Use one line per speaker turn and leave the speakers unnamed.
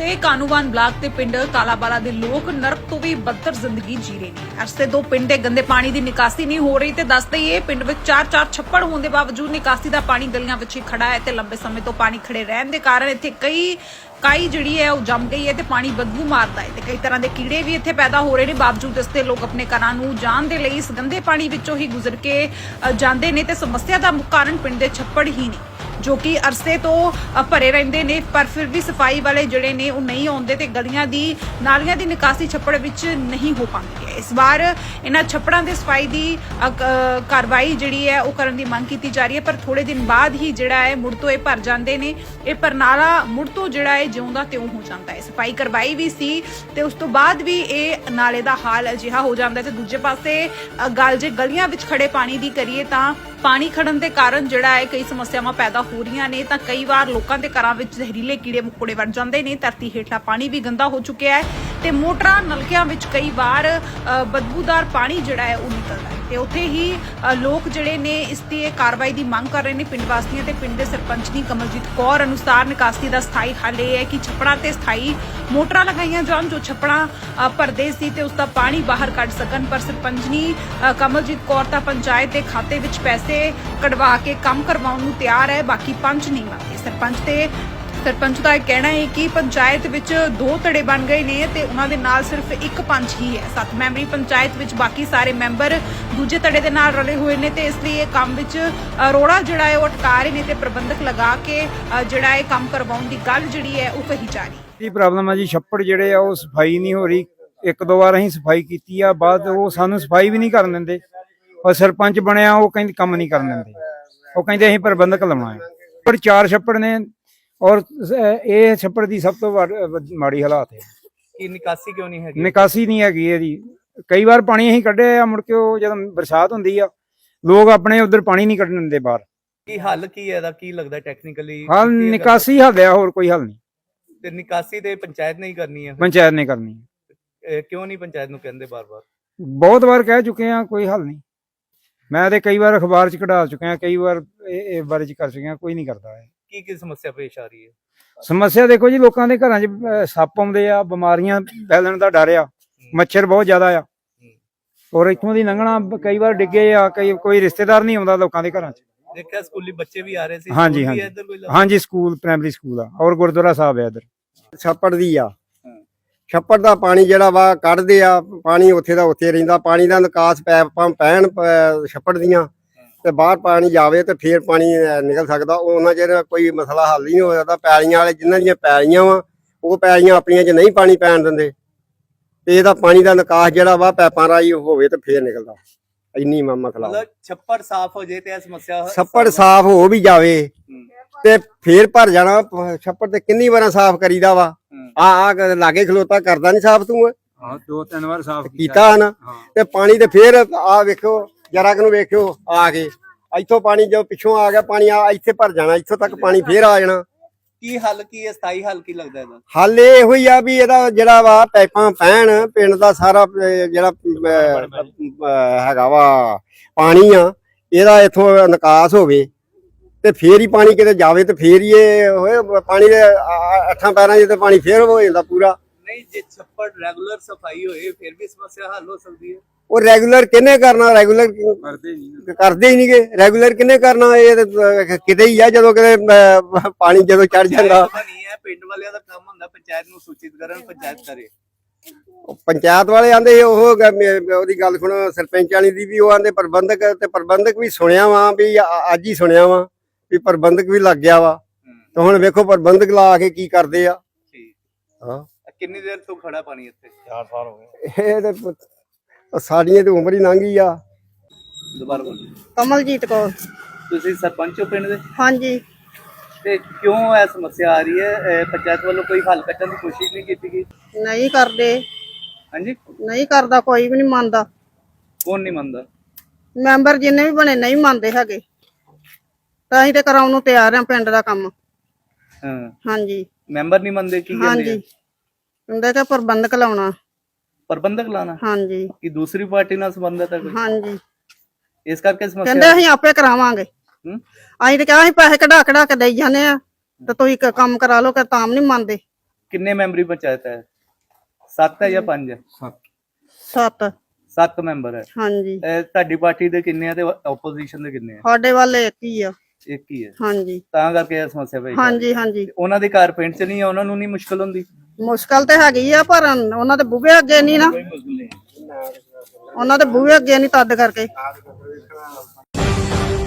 ਦੇ ਕਾਨੂੰਵਾਨ ਬਲਾਕ ਤੇ ਪਿੰਡ ਕਾਲਾਬਾਲਾ ਦੇ ਲੋਕ ਨਰਕ ਤੋਂ ਵੀ ਬੱਦਰ ਜ਼ਿੰਦਗੀ ਜੀ ਰਹੇ ਨੇ। ਅਰਸੇ ਤੋਂ ਪਿੰਡ ਦੇ ਗੰਦੇ ਪਾਣੀ ਦੀ ਨਿਕਾਸੀ ਨਹੀਂ ਹੋ ਰਹੀ ਤੇ ਦੱਸਦੇ ਹੀ ਇਹ ਪਿੰਡ ਵਿੱਚ 4-4 ਛੱਪੜ ਹੋਣ ਦੇ ਬਾਵਜੂਦ ਨਿਕਾਸੀ ਦਾ ਪਾਣੀ ਗਲੀਆਂ ਵਿੱਚ ਹੀ ਖੜਾ ਹੈ ਤੇ ਲੰਬੇ ਸਮੇਂ ਤੋਂ ਪਾਣੀ ਖੜੇ ਰਹਿਣ ਦੇ ਕਾਰਨ ਇੱਥੇ ਕਾਈ ਜਿਹੜੀ ਹੈ ਉਹ ਜੰਮ ਗਈ ਹੈ ਤੇ ਪਾਣੀ ਬਦਬੂ ਮਾਰਦਾ ਹੈ ਤੇ ਕਈ ਤਰ੍ਹਾਂ ਦੇ ਕੀੜੇ ਵੀ ਇੱਥੇ ਪੈਦਾ ਹੋ ਰਹੇ ਨੇ। ਬਾਵਜੂਦ ਇਸ ਦੇ ਲੋਕ ਆਪਣੇ ਘਰਾਂ ਨੂੰ ਜਾਣ ਦੇ ਲਈ ਇਸ ਗੰਦੇ ਪਾਣੀ ਵਿੱਚੋਂ ਹੀ ਗੁਜ਼ਰ ਕੇ ਜਾਂਦੇ ਨੇ ਤੇ ਸਮੱਸਿਆ ਦਾ ਮੁੱਖ ਕਾਰਨ ਪਿੰਡ ਦੇ ਛੱਪੜ ਹੀ ਨੇ ਜੋ ਕਿ ਅਰਸੇ ਤੋਂ ਭਰੇ ਰਹਿੰਦੇ ਨੇ, ਪਰ ਫਿਰ ਵੀ ਸਫਾਈ ਵਾਲੇ ਜਿਹੜੇ ਨੇ ਉਹ ਨਹੀਂ ਆਉਂਦੇ ਤੇ ਗਲੀਆਂ ਦੀ ਨਾਲੀਆਂ ਦੀ ਨਿਕਾਸੀ ਛੱਪੜ ਵਿੱਚ ਨਹੀਂ ਹੋ ਪਾਉਂਦੀ ਹੈ। ਇਸ ਵਾਰ ਇਹਨਾਂ ਛੱਪੜਾਂ ਦੇ ਸਫਾਈ ਦੀ ਕਾਰਵਾਈ ਜਿਹੜੀ ਹੈ ਉਹ ਕਰਨ ਦੀ ਮੰਗ ਕੀਤੀ ਜਾ ਰਹੀ ਹੈ, ਪਰ ਥੋੜੇ ਦਿਨ ਬਾਅਦ ਹੀ ਜਿਹੜਾ ਹੈ ਮੁੜ ਤੋਂ ਇਹ ਭਰ ਜਾਂਦੇ ਨੇ। ਇਹ ਪਰਨਾਲਾ ਮੁੜ ਤੋਂ ਜਿਹੜਾ ਹੈ ਜਿਉਂਦਾ ਤਿਉਂ ਹੋ ਜਾਂਦਾ ਹੈ। ਸਫਾਈ ਕਰਵਾਈ ਵੀ ਸੀ ਤੇ ਉਸ ਤੋਂ ਬਾਅਦ ਵੀ ਇਹ ਨਾਲੇ ਦਾ ਹਾਲ ਅਜਿਹਾ ਹੋ ਜਾਂਦਾ ਤੇ ਦੂਜੇ ਪਾਸੇ ਗੱਲ ਜੇ ਗਲੀਆਂ ਵਿੱਚ ਖੜੇ ਪਾਣੀ ਦੀ ਕਰੀਏ ਤਾਂ ਪਾਣੀ ਖੜਨ ਦੇ ਕਾਰਨ ਜਿਹੜਾ ਹੈ ਕਈ ਸਮੱਸਿਆਵਾਂ ਪੈਦਾ ਹੋ ਰਹੀਆਂ ਨੇ। ਤਾਂ ਕਈ ਵਾਰ ਲੋਕਾਂ ਦੇ ਘਰਾਂ ਵਿੱਚ ਜ਼ਹਿਰੀਲੇ ਕੀੜੇ ਮਕੌੜੇ ਵੜ ਜਾਂਦੇ ਨੇ, ਧਰਤੀ ਹੇਠਲਾ ਪਾਣੀ ਵੀ ਗੰਦਾ ਹੋ ਚੁੱਕਿਆ ਹੈ ਤੇ ਮੋਟਰਾਂ ਨਲਕਿਆਂ ਵਿੱਚ ਕਈ ਵਾਰ ਬਦਬੂਦਾਰ ਪਾਣੀ ਜਿਹੜਾ ਹੈ ਉਹ ਨਿਕਲਦਾ ਹੈ ਤੇ ਉੱਥੇ ਹੀ ਲੋਕ ਜਿਹੜੇ ਨੇ ਇਸ ਦੀ ਕਾਰਵਾਈ ਦੀ ਮੰਗ ਕਰ ਰਹੇ ਨੇ। ਪਿੰਡ ਵਾਸੀਆਂ ਤੇ ਪਿੰਡ ਦੇ ਸਰਪੰਚ ਦੀ ਕਮਲਜੀਤ ਕੌਰ ਅਨੁਸਾਰ ਨਿਕਾਸੀ ਦਾ ਸਥਾਈ ਹੱਲ ਇਹ ਹੈ ਕਿ ਛੱਪੜਾਂ ਤੇ ਸਥਾਈ ਮੋਟਰਾਂ ਲਗਾਈਆਂ ਜਾਣ ਜੋ ਛੱਪੜਾਂ ਭਰਦੇ ਸੀ ਤੇ ਉਸ ਦਾ ਪਾਣੀ ਬਾਹਰ ਕੱਢ ਸਕਣ। ਪਰ ਸਰਪੰਚਨੀ ਕਮਲਜੀਤ ਕੌਰ ਤਾਂ ਪੰਚਾਇਤ ਦੇ ਖਾਤੇ ਵਿੱਚ ਪੈਸੇ ਕਢਵਾ ਕੇ ਕੰਮ ਕਰਵਾਉਣ ਨੂੰ ਤਿਆਰ ਹੈ, ਬਾਕੀ ਪੰਚ ਨਹੀਂ ਮੰਨਦੇ। ਸਰਪੰਚ ਦਾ ਇਹ ਕਹਿਣਾ ਹੈ ਕਿ ਪੰਚਾਇਤ ਵਿੱਚ 2 ਧੜੇ ਬਣ ਗਏ ਨੇ ਤੇ ਉਹਨਾਂ ਦੇ ਨਾਲ ਸਿਰਫ ਇੱਕ ਪੰਚ ਹੀ ਹੈ। 7 ਮੈਂਬਰੀ ਪੰਚਾਇਤ ਵਿੱਚ ਬਾਕੀ ਸਾਰੇ ਮੈਂਬਰ ਦੂਜੇ ਧੜੇ ਦੇ ਨਾਲ ਰਲੇ ਹੋਏ ਨੇ ਤੇ ਇਸ ਲਈ ਇਹ ਕੰਮ ਵਿੱਚ ਰੋੜਾ ਜਿਹੜਾ ਹੈ ਉਹ ਅਟਕਾ ਰਹੇ ਨੇ ਤੇ ਪ੍ਰਬੰਧਕ ਲਗਾ ਕੇ ਜਿਹੜਾ ਇਹ ਕੰਮ ਕਰਵਾਉਣ ਦੀ ਗੱਲ ਜਿਹੜੀ ਹੈ ਉਹ ਕਹੀ ਜਾ ਰਹੀ।
ਇਹ ਪ੍ਰੋਬਲਮ ਆ ਜੀ, ਛੱਪੜ ਜਿਹੜੇ ਆ ਉਹ ਸਫਾਈ ਨਹੀਂ ਹੋ ਰਹੀ। 1-2 ਵਾਰ ਅਸੀਂ ਸਫਾਈ ਕੀਤੀ ਆ, ਬਾਅਦ ਉਹ ਸਾਨੂੰ ਸਫਾਈ ਵੀ ਨਹੀਂ ਕਰਨ ਦਿੰਦੇ। ਔਰ ਸਰਪੰਚ ਬਣਿਆ ਉਹ ਕਹਿੰਦੇ ਕੰਮ ਨਹੀਂ ਕਰਨ ਦਿੰਦੇ, ਉਹ ਕਹਿੰਦੇ ਅਸੀਂ ਪ੍ਰਬੰਧਕ ਲਾਉਣਾ ਹੈ। ਪਰ 4 ਛੱਪੜ ਨੇ ਔਰ ਇਹ ਛੱਪੜ ਦੀ ਸਭ ਤੋਂ ਮਾੜੀ ਹਾਲਾਤ ਹੈ
ਕਿ ਨਿਕਾਸੀ ਕਿਉਂ ਨਹੀਂ ਹੈਗੀ?
ਨਿਕਾਸੀ ਨਹੀਂ ਹੈਗੀ ਇਹਦੀ। ਕਈ ਵਾਰ ਪਾਣੀ ਅਸੀਂ ਕੱਢਿਆ ਆ, ਮੁੜ ਕੇ ਉਹ ਜਦੋਂ ਬਰਸਾਤ ਹੁੰਦੀ ਆ ਲੋਕ ਆਪਣੇ ਉਧਰ ਪਾਣੀ ਨਹੀਂ ਕੱਢਣ ਦਿੰਦੇ ਬਾਹਰ।
ਕੀ ਹੱਲ ਕੀ ਹੈ ਇਹਦਾ? ਕੀ ਲੱਗਦਾ ਟੈਕਨੀਕਲੀ
ਹੱਲ ਨਿਕਾਸੀ ਹੱਲ ਆ, ਹੋਰ ਕੋਈ ਹੱਲ ਨਹੀਂ।
ਤੇ ਨਿਕਾਸੀ ਤੇ ਪੰਚਾਇਤ ਨੇ ਹੀ ਕਰਨੀ ਹੈ?
ਪੰਚਾਇਤ ਨੇ ਕਰਨੀ ਹੈ।
ਕਿਉਂ ਨਹੀਂ ਪੰਚਾਇਤ ਨੂੰ ਕਹਿੰਦੇ ਬਾਰ-ਬਾਰ?
ਬਹੁਤ ਵਾਰ ਕਹਿ ਚੁੱਕੇ ਆ, ਕੋਈ ਹੱਲ ਨਹੀਂ। ਮੈਂ ਤੇ ਕਈ ਵਾਰ ਅਖਬਾਰ 'ਚ ਕਢਾ ਚੁੱਕਿਆ, ਕਈ ਵਾਰ ਇਹ ਬਾਰੇ 'ਚ ਕਰ ਚੁੱਕਿਆ, ਕੋਈ ਨਹੀਂ ਕਰਦਾ ਹੈ।
ਕੀ ਸਮੱਸਿਆ ਪੇਸ਼ ਆ ਰਹੀ ਹੈ?
ਸਮੱਸਿਆ ਦੇਖੋ ਜੀ, ਲੋਕਾਂ ਦੇ ਘਰਾਂ 'ਚ ਸੱਪ ਆਉਂਦੇ ਆ, ਬਿਮਾਰੀਆਂ ਫੈਲਣ ਦਾ ਡਰ ਆ, ਮੱਛਰ ਬਹੁਤ ਜ਼ਿਆਦਾ ਆ ਔਰ ਇੱਥੋਂ ਦੀ ਲੰਘਣਾ ਕਈ ਵਾਰ ਡਿੱਗੇ ਆ, ਕੋਈ ਰਿਸ਼ਤੇਦਾਰ ਨਹੀਂ ਆਉਂਦਾ ਲੋਕਾਂ ਦੇ ਘਰਾਂ 'ਚ।
ਦੇਖਿਆ ਸਕੂਲੀ ਬੱਚੇ ਵੀ ਆ ਰਹੇ ਸੀ?
ਹਾਂਜੀ ਹਾਂਜੀ, ਸਕੂਲ ਪ੍ਰਾਇਮਰੀ ਸਕੂਲ ਆ ਔਰ ਗੁਰਦੁਆਰਾ ਸਾਹਿਬ ਆ ਇੱਧਰ।
ਛੱਪੜ ਦੀ ਆ, ਛੱਪੜ ਦਾ ਪਾਣੀ ਜਿਹੜਾ ਵਾ ਕੱਢਦੇ ਆ, ਪਾਣੀ ਉੱਥੇ ਦਾ ਉੱਥੇ ਰਹਿੰਦਾ। ਪਾਣੀ ਦਾ ਨਿਕਾਸ ਪੈਪਾਂ ਪੈਣ ਛੱਪੜ ਦੀਆਂ ਤੇ ਬਾਹਰ ਪਾਣੀ ਜਾਵੇ ਤੇ ਫੇਰ ਪਾਣੀ ਨਿਕਲ ਸਕਦਾ। ਉਹਨਾਂ ਚਿਰ ਕੋਈ ਮਸਲਾ ਹੱਲ ਹੀ ਨਹੀਂ ਹੋ ਸਕਦਾ। ਪੈਲੀਆਂ ਵਾਲੇ ਜਿਨ੍ਹਾਂ ਦੀਆਂ ਪੈਲੀਆਂ ਵਾ ਉਹ ਪੈਲੀਆਂ ਆਪਣੀਆਂ 'ਚ ਨਹੀਂ ਪਾਣੀ ਪੈਣ ਦਿੰਦੇ ਤੇ ਇਹਦਾ ਪਾਣੀ ਦਾ ਨਿਕਾਸ ਜਿਹੜਾ ਵਾ ਪੈਪਾਂ ਰਾਹੀਂ ਹੋਵੇ ਤੇ ਫੇਰ ਨਿਕਲਦਾ। ਇੰਨੀ ਮਸਲਾ।
ਮਤਲਬ ਛੱਪੜ ਸਾਫ਼ ਹੋ ਜੇ ਤੇ ਇਹ ਸਮੱਸਿਆ
ਛੱਪੜ ਸਾਫ਼ ਹੋ ਵੀ ਜਾਵੇ ਤੇ ਫੇਰ ਭਰ ਜਾਣਾ। ਛੱਪੜ ਤੇ ਕਿੰਨੀ ਵਾਰਾਂ ਸਾਫ਼ ਕਰੀਦਾ ਵਾ। ਆ ਲਾਗੇ ਖਲੋਤਾ ਕਰਦਾ ਨਹੀਂ ਸਾਫ਼ ਤੂੰ?
ਹਾਂ, 2-3 ਵਾਰ ਸਾਫ਼
ਕੀਤਾ ਨਾ। ਤੇ ਪਾਣੀ ਤੇ ਫੇਰ ਆ ਵੇਖੋ ਜਰਾ ਕੁ ਨੂੰ ਵੇਖਿਓ ਆ ਕੇ ਇੱਥੋਂ ਪਾਣੀ ਜੋ ਪਿੱਛੋਂ ਆ ਗਿਆ ਪਾਣੀ ਆ ਇੱਥੇ ਭਰ ਜਾਣਾ, ਇੱਥੋਂ ਤੱਕ ਪਾਣੀ ਫੇਰ ਆ ਜਾਣਾ।
ਕੀ ਹੱਲ ਕੀ ਹੈ? ਸਥਾਈ ਹੱਲ ਕੀ ਲੱਗਦਾ ਇਹਦਾ?
ਹੱਲ ਇਹੋ ਹੀ ਆ ਵੀ ਇਹਦਾ ਜਿਹੜਾ ਵਾ ਪਾਈਪਾਂ ਪੈਣ, ਪਿੰਡ ਦਾ ਸਾਰਾ ਜਿਹੜਾ ਹੈਗਾ ਵਾ ਪਾਣੀ ਆ ਇਹਦਾ ਇੱਥੋਂ ਨਿਕਾਸ ਹੋਵੇ ਤੇ ਫੇਰ ਹੀ ਪਾਣੀ ਕਿਤੇ ਜਾਵੇ ਤੇ ਫੇਰ ਹੀ ਇਹ ਹੋਏ। ਪਾਣੀ ਦੇ 8 ਪੈਰਾਂ 'ਚ ਤੇ ਪਾਣੀ ਫੇਰ ਹੋ ਜਾਂਦਾ ਪੂਰਾ।
ਨਹੀਂ, ਜੇ ਛੱਪੜ ਰੈਗੂਲਰ ਸਫਾਈ ਹੋਏ ਫਿਰ ਵੀ ਸਮੱਸਿਆ ਹੱਲ ਹੋ ਸਕਦੀ ਹੈ।
ਉਹ ਰੈਗੂਲਰ ਕਿਹਨੇ ਕਰਨਾ? ਰੈਗੂਲਰ ਕਰਦੇ ਹੀ ਨਹੀਂਗੇ। ਰੈਗੂਲਰ ਕਿਹਨੇ ਕਰਨਾ? ਇਹ ਕਿਤੇ ਹੀ ਆ ਜਦੋਂ ਕਿਤੇ ਪਾਣੀ ਜਦੋਂ ਚੜ ਜਾਂਦਾ।
ਨਹੀਂ ਹੈ, ਪਿੰਡ ਵਾਲਿਆਂ ਦਾ ਕੰਮ ਹੁੰਦਾ ਪੰਚਾਇਤ ਨੂੰ ਸੂਚਿਤ ਕਰਨ, ਪੰਚਾਇਤ ਕਰੇ।
ਪੰਚਾਇਤ ਵਾਲੇ ਆਂਦੇ ਉਹ ਉਹਦੀ ਗੱਲ ਸੁਣੋ, ਸਰਪੰਚ ਵਾਲੀ ਦੀ ਵੀ ਉਹ ਆਂਦੇ ਪ੍ਰਬੰਧਕ, ਤੇ ਪ੍ਰਬੰਧਕ ਵੀ ਸੁਣਿਆ ਵਾ ਵੀ ਅੱਜ ਹੀ ਸੁਣਿਆ ਵਾ ਵੀ ਪ੍ਰਬੰਧਕ ਵੀ ਲੱਗ ਗਿਆ ਵਾ। ਤੇ ਹੁਣ ਵੇਖੋ ਪ੍ਰਬੰਧਕ ਲਾ ਕੇ ਕੀ ਕਰਦੇ ਆ। ਹਾਂ, ਕਿੰਨੀ ਦੇਰ ਤੋਂ ਖੜਾ ਪਾਣੀ ਇੱਥੇ? 4 ਸਾਲ ਹੋ ਗਏ। ਇਹ ਤੇ ਸਾਡੀਆਂ ਤੇ ਉਮਰ ਹੀ ਲੰਘ ਗਈ ਆ।
ਦੁਬਾਰਾ ਬੋਲੋ।
ਕਮਲਜੀਤ ਕੌਰ।
ਤੁਸੀਂ ਸਰਪੰਚ ਹੋ ਪਿੰਡ ਦੇ?
ਹਾਂਜੀ।
ਤੇ ਕਿਉਂ ਇਹ ਸਮੱਸਿਆ ਆ ਰਹੀ ਹੈ? ਪੰਚਾਇਤ ਵੱਲੋਂ ਕੋਈ ਹੱਲ ਕੱਢਣ ਦੀ ਕੋਸ਼ਿਸ਼ ਨਹੀਂ ਕੀਤੀ ਗਈ?
ਨਹੀਂ ਕਰਦੇ।
ਹਾਂਜੀ,
ਨਹੀਂ ਕਰਦਾ, ਕੋਈ ਵੀ ਨਹੀਂ ਮੰਨਦਾ।
ਕੌਣ ਨਹੀਂ ਮੰਨਦਾ?
ਮੈਂਬਰ ਜਿੰਨੇ ਵੀ ਬਣੇ ਨਹੀਂ ਮੰਨਦੇ ਹੈਗੇ। ਤਾਂ ਅਸੀਂ ਤੇ ਕਰਾਉਣ ਨੂੰ ਤਿਆਰ ਆ ਪਿੰਡ ਦਾ ਕੰਮ।
ਹਾਂ,
ਹਾਂਜੀ।
ਮੈਂਬਰ ਨਹੀਂ ਮੰਨਦੇ? ਕੀ ਕਹਿੰਦੇ?
ਹਾਂਜੀ, ਕਹਿੰਦੇ ਕਿ ਪ੍ਰਬੰਧਕ ਲਾਉਣਾ।
ਪ੍ਰਬੰਧਕ ਲਾਣਾ?
ਹਾਂਜੀ।
ਕਿ ਦੂਸਰੀ ਪਾਰਟੀ ਨਾਲ ਸੰਬੰਧਤ ਹੈ ਕੋਈ?
ਹਾਂਜੀ,
ਇਸ ਕਰਕੇ ਸਮੱਸਿਆ
ਕਹਿੰਦੇ ਅਸੀਂ ਆਪੇ ਕਰਾਵਾਂਗੇ। ਅਸੀਂ ਤੇ ਕਿਹਾ ਅਸੀਂ ਪੈਸੇ ਕਢਾ ਕੇ ਦੇਈ ਜਾਂਦੇ ਆ ਤੇ ਤੁਸੀਂ ਕੰਮ ਕਰਾ ਲਓ, ਕਿ ਤਾਂ ਨਹੀਂ ਮੰਨਦੇ।
ਕਿੰਨੇ ਮੈਂਬਰੀ ਪੰਚਾਇਤ ਹੈ? 7 ਹੈ ਜਾਂ 5 ਹੈ?
7
7 ਮੈਂਬਰ ਹੈ।
ਹਾਂਜੀ
ਤੁਹਾਡੀ ਪਾਰਟੀ ਦੇ ਕਿੰਨੇ ਆ ਤੇ ਆਪੋਜੀਸ਼ਨ ਦੇ ਕਿੰਨੇ ਆ?
ਸਾਡੇ ਵੱਲ ਇੱਕ ਹੀ ਆ।
ਇੱਕ ਹੀ ਹੈ।
ਹਾਂਜੀ
ਤਾਂ ਕਰਕੇ ਇਹ ਸਮੱਸਿਆ ਪਈ।
ਹਾਂਜੀ ਹਾਂਜੀ
ਉਹਨਾਂ ਦੇ ਘਰ ਪਿੰਡ ਚ ਨਹੀਂ ਆ, ਉਹਨਾਂ ਨੂੰ ਨਹੀਂ ਮੁਸ਼ਕਲ ਹੁੰਦੀ?
ਮੁਸ਼ਕਲ ਤੇ ਹੈਗੀ ਆ ਪਰ ਉਹਨਾਂ ਦੇ ਬੂਹੇ ਅੱਗੇ ਨਹੀਂ ਨਾ, ਉਹਨਾਂ ਦੇ ਬੂਹੇ ਅੱਗੇ ਨਹੀਂ ਤਦ ਕਰਕੇ।